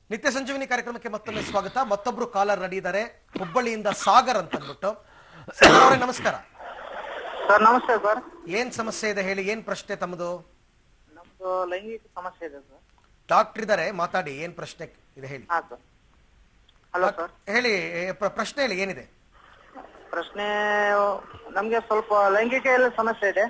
ನಿತ್ಯ ಸಂಜೀವಿನಿ ಕಾರ್ಯಕ್ರಮಕ್ಕೆ ಮತ್ತೊಮ್ಮೆ ಸ್ವಾಗತ. ಮತ್ತೊಬ್ರು ಕಾಲರ್ ರೆಡಿ ಇದ್ದಾರೆ, ಹುಬ್ಬಳ್ಳಿಯಿಂದ ಸಾಗರ್ ಅಂತ ಅಂದ್ಬಿಟ್ಟು. ಸಾಗರ್ ಅವರೇ ನಮಸ್ಕಾರ. ಸರ್ ನಮಸ್ತೆ ಸರ್. ಏನ್ ಸಮಸ್ಯೆ ಇದೆ ಹೇಳಿ, ಏನ್ ಪ್ರಶ್ನೆ ತಮ್ಮದು? ನಮ್ದು ಲೈಂಗಿಕ ಸಮಸ್ಯೆ ಇದೆ ಸರ್. ಡಾಕ್ಟರ್ ಇದ್ದಾರೆ, ಮಾತಾಡಿ, ಏನ್ ಪ್ರಶ್ನೆ ಇದೆ ಹೇಳಿ. ಹಾ ಸರ್. Hello sir. ಹೇಳಿ, ಪ್ರಶ್ನೆ ಹೇಳಿ, ಏನಿದೆ ಪ್ರಶ್ನೆ? ನಮ್ಗೆ ಸ್ವಲ್ಪ ಲೈಂಗಿಕ ಎಲ್ಲ ಸಮಸ್ಯೆ ಇದೆ.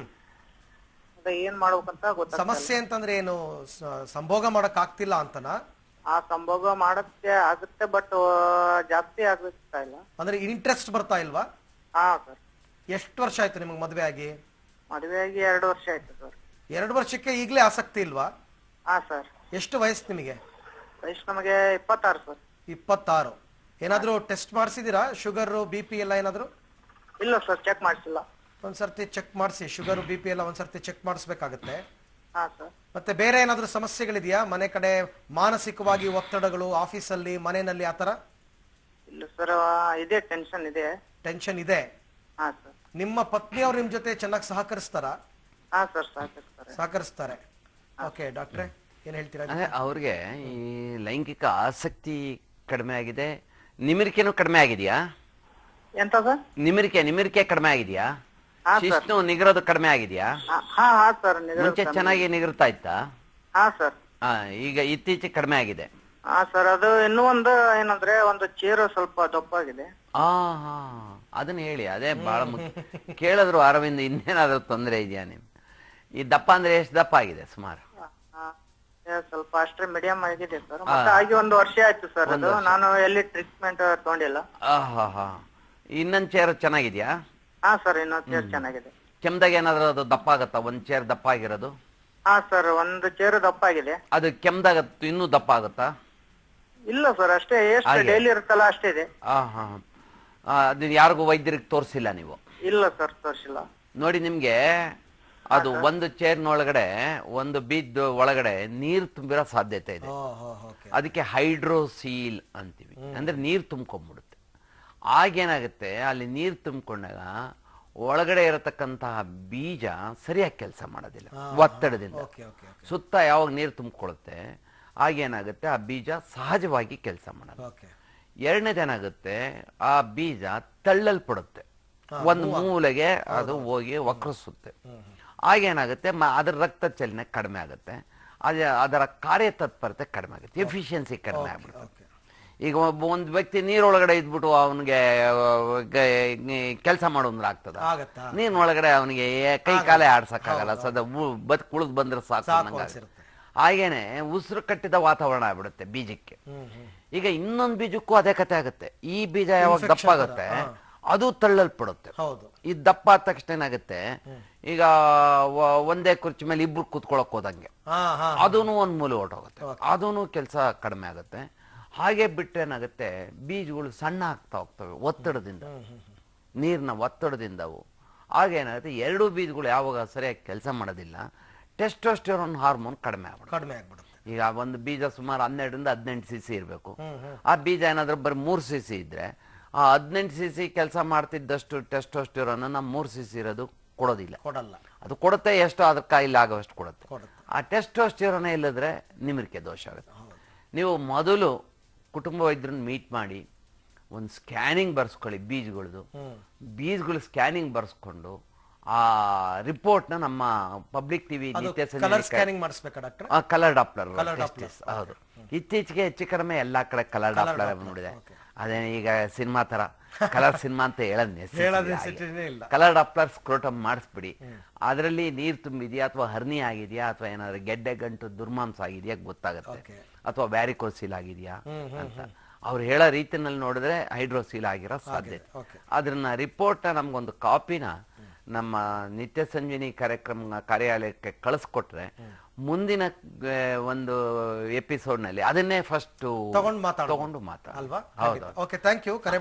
ಅದೇ ಏನ್ ಮಾಡ್ಬೇಕಂತ ಗೊತ್ತಾಗ್ತಿಲ್ಲ. ಸಮಸ್ಯೆ ಅಂತಂದ್ರೆ ಏನು, ಸಂಭೋಗ ಮಾಡಕ್ ಆಗ್ತಿಲ್ಲ ಅಂತನಾ? ಆ ಸಂಭೋಗ ಮಾಡಕ್ಕೆ ಆಗುತ್ತೆ, ಬಟ್ ಜಾಸ್ತಿ ಆಗ್ತಾ ಇಲ್ಲ. ಅಂದ್ರೆ ಇಂಟ್ರೆಸ್ಟ್ ಬರ್ತಾ ಇಲ್ವಾ? ಹಾ ಸರ್. ಎಷ್ಟು ವರ್ಷ ಆಯ್ತು ನಿಮಗೆ ಮದುವೆ ಆಗಿ? ಮದುವೆ ಆಗಿ 2 ವರ್ಷ ಆಯ್ತು ಸರ್. 2 ವರ್ಷಕ್ಕೆ ಈಗಲೇ ಆಸಕ್ತಿ ಇಲ್ವಾ? ಹಾ ಸರ್. ಎಷ್ಟು ವಯಸ್ಸು ನಿಮಗೆ? ವಯಸ್ಸು ನಮಗೆ 26 ಸರ್. 26. ಏನಾದ್ರೂ ಟೆಸ್ಟ್ ಮಾಡಿಸಿದೀರಾ? ಶುಗರ್ BP ಎಲ್ಲ ಏನಾದ್ರು? ಇಲ್ಲ ಸರ್, ಚೆಕ್ ಮಾಡಿಸಿಲ್ಲ. ಒಂದ್ಸರ್ತಿ ಚೆಕ್ ಮಾಡಿಸಿ, ಶುಗರ್ BP ಎಲ್ಲ ಒಂದ್ಸರ್ತಿ ಚೆಕ್ ಮಾಡಿಸ್ಬೇಕಾಗತ್ತೆ. ಹಾ ಸರ್. ಮತ್ತೆ ಬೇರೆ ಏನಾದ್ರೂ ಸಮಸ್ಯೆಗಳಿದೆಯಾ ಮನೆ ಕಡೆ? ಮಾನಸಿಕವಾಗಿ ಒತ್ತಡಗಳು, ಆಫೀಸಲ್ಲಿ, ಮನೆಯಲ್ಲಿ ಆತರ? ಇಲ್ಲ ಸರ್, ಇದೆ, ಟೆನ್ಷನ್ ಇದೆ. ಟೆನ್ಷನ್ ಇದೆ. ಹಾ ಸರ್. ನಿಮ್ಮ ಪತ್ನಿಯವರು ನಿಮ್ ಜೊತೆ ಚೆನ್ನಾಗಿ ಸಹಕರಿಸ್ತಾರಾ? ಹಾ ಸರ್, ಸಹಕರಿಸ್ತಾರೆ. ಓಕೆ ಡಾಕ್ಟ್ರೆ, ಏನ್ ಹೇಳ್ತೀರಾ? ಅವ್ರಿಗೆ ಈ ಲೈಂಗಿಕ ಆಸಕ್ತಿ ಕಡಿಮೆ ಆಗಿದೆ, ನಿಮಿರಿಕೆನೂ ಕಡಿಮೆ ಆಗಿದೆಯಾ? ಎಂತ ಸರ್? ನಿಮಿರಿಕೆ ಕಡಿಮೆ ಆಗಿದೆಯಾ? ಶಿಸ್ತು ನಿಗರೋದು ಕಡಿಮೆ ಆಗಿದೆಯಾ? ಹಾ ಸರ್. ಮುಂಚೆ ಚೆನ್ನಾಗಿ ನಿಗರ್ತಾ ಇತ್ತಾ? ಹಾ ಸರ್. ಈಗ ಇತ್ತೀಚೆಗೆ ಕಡಿಮೆ ಆಗಿದೆ. ಹಾ ಸರ್, ಅದು ಇನ್ನೂ ಒಂದು ಏನಂದ್ರೆ ಒಂದು ಚೇರು ಸ್ವಲ್ಪ ದಪ್ಪಾಗಿದೆ. ಹಾ ಅದನ್ನ ಹೇಳಿ, ಅದೇ ಬಹಳ ಮುಖ್ಯ. ಕೇಳಿದ್ರು ಅರವಿಂದ್, ಇನ್ನೇನಾದ್ರೂ ತೊಂದರೆ ಇದೆಯಾ ನಿಮ್? ಈ ದಪ್ಪ ಅಂದ್ರೆ ಎಷ್ಟು ದಪ್ಪ ಆಗಿದೆ ಸುಮಾರು? ಸ್ವಲ್ಪ ಅಷ್ಟೇ ಮೀಡಿಯಂ ಆಗಿದೆ ಸರ್. ಮತ್ತೆ ಆಗಿ 1 ವರ್ಷ ಆಯ್ತು ಸರ್. ಅದು ನಾನು ಎಲ್ಲಿ ಟ್ರೀಟ್ಮೆಂಟ್ ತಗೊಂಡಿಲ್ಲ. ಇನ್ನೊಂದ್ ಚೇರ್ ಚೆನ್ನಾಗಿದ್ಯಾ? ಹಾ ಸರ್, ಇನ್ನೊಂದು ಚೇರ್ ಚೆನ್ನಾಗಿದೆ. ಕೆಮ್ದಾಗ ಏನಾದ್ರು ಅದು ದಪ್ಪ ಆಗತ್ತಾ? ಒಂದ್ ಚೇರ್ ದಪ್ಪ ಆಗಿರೋದು? ಹಾ ಸರ್, ಒಂದು ಚೇರು ದಪ್ಪ ಆಗಿದೆ. ಅದು ಕೆಮ್ದಾಗ ಇನ್ನೂ ದಪ್ಪ ಆಗತ್ತಾ? ಇಲ್ಲ ಸರ್, ಅಷ್ಟೇ, ಎಷ್ಟು ಡೈಲಿ ಇರುತ್ತಲ್ಲ ಅಷ್ಟೇ ಇದೆ. ಅದು ಯಾರಿಗೂ ವೈದ್ಯರಿಗೆ ತೋರಿಸಿಲ್ಲ ನೀವು? ಇಲ್ಲ ಸರ್, ತೋರಿಸಿಲ್ಲ. ನೋಡಿ, ನಿಮ್ಗೆ ಅದು ಒಂದು ಚೇರ್ನೊಳಗಡೆ, ಒಂದು ಬೀದ್ ಒಳಗಡೆ ನೀರು ತುಂಬಿರೋ ಸಾಧ್ಯತೆ ಇದೆ. ಅದಕ್ಕೆ ಹೈಡ್ರೋಸೀಲ್ ಅಂತೀವಿ, ಅಂದ್ರೆ ನೀರು ತುಂಬ್ಕೊಂಡ್ಬಿಡುತ್ತೆ. ಆಗೇನಾಗುತ್ತೆ, ಅಲ್ಲಿ ನೀರು ತುಂಬಿಕೊಂಡಾಗ ಒಳಗಡೆ ಇರತಕ್ಕಂತಹ ಬೀಜ ಸರಿಯಾಗಿ ಕೆಲಸ ಮಾಡೋದಿಲ್ಲ, ಒತ್ತಡದಿಂದ. ಸುತ್ತ ಯಾವಾಗ ನೀರು ತುಂಬಿಕೊಳ್ಳುತ್ತೆ ಆಗೇನಾಗುತ್ತೆ, ಆ ಬೀಜ ಸಹಜವಾಗಿ ಕೆಲಸ ಮಾಡೋದು. ಎರಡನೇದೇನಾಗುತ್ತೆ, ಆ ಬೀಜ ತಳ್ಳಲ್ಪಡುತ್ತೆ, ಒಂದು ಮೂಲೆಗೆ ಅದು ಹೋಗಿ ವಕ್ರಿಸುತ್ತೆ. ಆಗೇನಾಗುತ್ತೆ, ಅದರ ರಕ್ತ ಚಲನೆ ಕಡಿಮೆ ಆಗುತ್ತೆ, ಅದರ ಕಾರ್ಯತತ್ಪರತೆ ಕಡಿಮೆ ಆಗುತ್ತೆ, ಎಫಿಷಿಯನ್ಸಿ ಕಡಿಮೆ ಆಗ್ಬಿಡುತ್ತೆ. ಈಗ ಒಂದು ವ್ಯಕ್ತಿ ನೀರೊಳಗಡೆ ಇದ್ಬಿಟ್ಟು ಅವನಿಗೆ ಕೆಲಸ ಮಾಡೋದ್ರ ಆಗ್ತದ? ನೀರಿನೊಳಗಡೆ ಅವನಿಗೆ ಕೈ ಕಾಲೇ ಆಡ್ಸಕ್ಕಾಗಲ್ಲ, ಸದ ಕುಳಿದು ಬಂದ್ರೆ ಸಾಕು. ಹಾಗೇನೆ ಉಸಿರು ಕಟ್ಟಿದ ವಾತಾವರಣ ಆಗ್ಬಿಡುತ್ತೆ ಬೀಜಕ್ಕೆ. ಈಗ ಇನ್ನೊಂದು ಬೀಜಕ್ಕೂ ಅದೇ ಕತೆ ಆಗುತ್ತೆ. ಈ ಬೀಜ ಯಾವಾಗ ದಪ್ಪ ಆಗುತ್ತೆ ಅದು ತಳ್ಳಲ್ಪಡುತ್ತೆ. ಈ ದಪ್ಪ ಆದ ತಕ್ಷಣ ಏನಾಗುತ್ತೆ, ಈಗ ಒಂದೇ ಕುರ್ಚಿ ಮೇಲೆ ಇಬ್ರು ಕೂತ್ಕೊಳಕ್ ಹೋದಂಗೆ ಅದೂನು ಒಂದ್ ಮೂಲೆ ಹೊರಟೋಗುತ್ತೆ, ಅದೂನು ಕೆಲಸ ಕಡಿಮೆ ಆಗುತ್ತೆ. ಹಾಗೆ ಬಿಟ್ರೆ ಏನಾಗುತ್ತೆ, ಬೀಜಗಳು ಸಣ್ಣ ಆಗ್ತಾ ಹೋಗ್ತವೆ ಒತ್ತಡದಿಂದ, ನೀರಿನ ಒತ್ತಡದಿಂದವು. ಆಗೇನಾಗುತ್ತೆ, 2 ಬೀಜಗಳು ಯಾವಾಗ ಸರಿಯಾಗಿ ಕೆಲಸ ಮಾಡೋದಿಲ್ಲ, ಟೆಸ್ಟೋಸ್ಟೆರೋನ್ ಹಾರ್ಮೋನ್ ಕಡಿಮೆ ಆಗ್ಬಿಡುತ್ತೆ. ಈಗ ಒಂದು ಬೀಜ ಸುಮಾರು 12ರಿಂದ 18 cc ಇರಬೇಕು. ಆ ಬೀಜ ಏನಾದ್ರೂ ಬರೀ 3 cc ಇದ್ರೆ, ಆ 18 cc ಕೆಲಸ ಮಾಡ್ತಿದ್ದಷ್ಟು ಟೆಸ್ಟೋಸ್ಟೆರೋನ್ 3 cc ಇರೋದು ಕೊಡೋದಿಲ್ಲ. ಅದು ಕೊಡುತ್ತೆ, ಎಷ್ಟು ಅದ್ರ ಕಾಯಿಲೆ ಆಗೋಷ್ಟು ಕೊಡುತ್ತೆ. ಆ ಟೆಸ್ಟೋಸ್ಟೆರೋನೇ ಇಲ್ಲದ್ರೆ ನಿಮಿರಿಕೆ ದೋಷ ಆಗುತ್ತೆ. ನೀವು ಮೊದಲು ಕುಟುಂಬ ವೈದ್ಯರನ್ನ ಮೀಟ್ ಮಾಡಿ ಒಂದು ಸ್ಕ್ಯಾನಿಂಗ್ ಬರ್ಸ್ಕೊಳ್ಳಿ, ಬೀಜಗಳು ಸ್ಕ್ಯಾನಿಂಗ್ ಬರ್ಸ್ಕೊಂಡು ಆ ರಿಪೋರ್ಟ್ನ ನಮ್ಮ ಪಬ್ಲಿಕ್ ಟಿವಿ ಕಲರ್ ಡಾಪ್ಲರ್. ಹೌದು, ಇತ್ತೀಚೆಗೆ ಹೆಚ್ಚು ಕಡಿಮೆ ಎಲ್ಲಾ ಕಡೆ ಕಲರ್ ಡಾಪ್ಲರ್ ನೋಡಿದೆ. ಅದೇ ಈಗ ಸಿನಿಮಾ ತರ ಕಲರ್ ಸಿನಿಮಾ ಅಂತ ಹೇಳೋದ್ ಕಲರ್ ಡಾಪ್ಲರ್ ಸ್ಕ್ರೋಟಮ್ ಮಾಡಿಸ್ಬಿಡಿ. ಅದರಲ್ಲಿ ನೀರು ತುಂಬಿದ್ಯಾ ಅಥವಾ ಹರ್ನಿ ಆಗಿದೆಯಾ ಅಥವಾ ಏನಾದ್ರು ಗೆಡ್ಡೆ ಗಂಟು ದುರ್ಮಾಂಸ ಆಗಿದೆಯಾ ಗೊತ್ತಾಗುತ್ತೆ, ಅಥವಾ ವ್ಯಾರಿಕೋಸೀಲ್ ಆಗಿದೆಯಾ ಅಂತ. ಅವ್ರು ಹೇಳೋ ರೀತಿನಲ್ಲಿ ನೋಡಿದ್ರೆ ಹೈಡ್ರೋಸೀಲ್ ಆಗಿರೋ ಸಾಧ್ಯತೆ. ಅದನ್ನ ರಿಪೋರ್ಟ್ ನಮ್ಗೊಂದು ಕಾಪಿನ ನಮ್ಮ ನಿತ್ಯ ಸಂಜೀವಿನಿ ಕಾರ್ಯಾಲಯಕ್ಕೆ ಕಳಿಸ್ಕೊಟ್ರೆ ಮುಂದಿನ ಒಂದು ಎಪಿಸೋಡ್ ನಲ್ಲಿ ಅದನ್ನೇ ಫಸ್ಟ್ ತಗೊಂಡು ಮಾತಾಡ. ಅಲ್ವಾ? Okay, thank you.